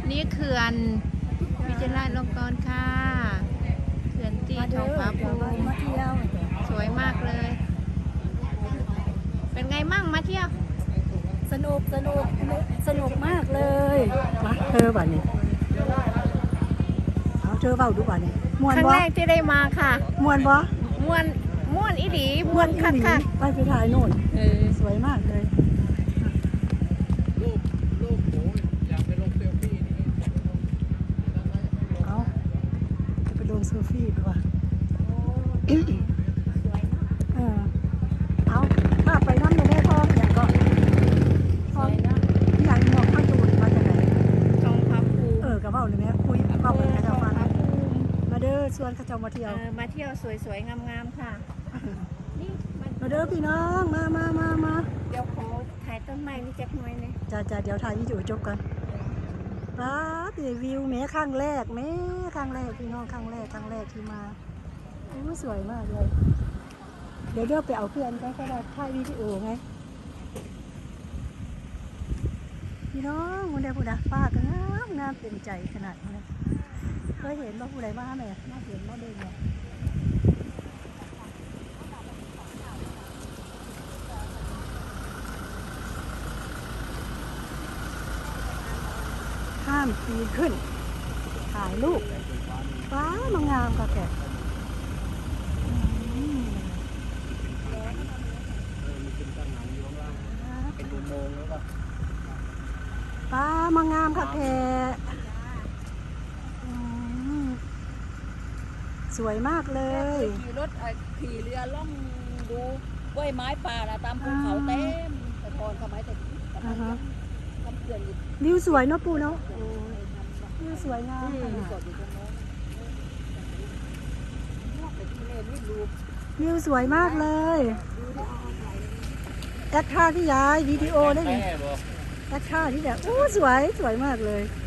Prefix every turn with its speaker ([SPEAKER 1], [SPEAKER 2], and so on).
[SPEAKER 1] นี่เขื่อนวิจิตรราชลงกรณ์ค่ะเขื่อนตีทองผาภูมิ
[SPEAKER 2] มาเที่ยว
[SPEAKER 1] สวยมากเลย เป็นไงมั่งมาเที่ยว
[SPEAKER 2] สนุกมากเลยมาเธอบ่านี่เอาเธอเบาดูบ่านี่ม่วน
[SPEAKER 1] ครั้ง
[SPEAKER 2] บ่
[SPEAKER 1] แรกที่ได้มาค่ะ
[SPEAKER 2] ม่วนบ่
[SPEAKER 1] ม่วนอีหลีม่วนคักค่ะ
[SPEAKER 2] ไปถ่ายโน่น
[SPEAKER 1] เออ
[SPEAKER 2] สวยมากเลย
[SPEAKER 3] รูปหมูอยากไปลงเซลฟี่นี่
[SPEAKER 2] เอาจะไปลงเซลฟี่ดีกว่าเอาถ้าไปน้ำในแม่ท้องอย่างก็ท้องอย่างหมอกข้าวจูนมาจากไหน
[SPEAKER 1] ทองผาภูมิ
[SPEAKER 2] กระเป๋าเลยแม่คุยเบาเหมือนกันเอามาเด้อชวนข้าเจ้ามาเที่ยว
[SPEAKER 1] มาเที่ยวสวยๆงามๆค่ะนี่มัน
[SPEAKER 2] มาเด้อพี่น้องมา
[SPEAKER 1] เดี๋ยวขอถ่ายต้นไม้นี่จักหน่อยเนี่ย
[SPEAKER 2] จะเดี๋ยวถ่ายวิดีโอจบกันป้าตีวิวแม่ครั้งแรกพี่น้องครั้งแรกที่มาสวยมากเลยเดี๋ยวไปเอาเพื่อนก็ได้ถ่ายวิดีโอไงพี่น้องคนใดผู้ใดป้าก็งามเต็มใจขนาดนี้เคยเห็นว่าผู้ใดมาไหมมาเห็นมาเดินเนี่ยห้ามปีนขึ้นถ่ายรูปฟ้ามางามก็แก
[SPEAKER 3] เป็นอุโมงค์แล้วก็
[SPEAKER 2] ฟ้ามางามค่ะแพสวยมากเลย
[SPEAKER 4] ขี่รถขี่เรือล่องดูกล้วยไม้ป่านะตามภูเขาเต็มแต่ก่อนสมัยแต่ทำเขื่อนอยู่
[SPEAKER 2] วิวสวยเนาะปูเนาะวิวสวยงามขนาด
[SPEAKER 4] สดอยู่ตรงโน้นแต่ที่เล่นนี่รูป
[SPEAKER 2] วิวสวยมากเลยแอคท่าที่ย้ายวิดีโอได้ไหม
[SPEAKER 3] แม่บอก
[SPEAKER 2] แอคท่าที่แบบสวยมากเลย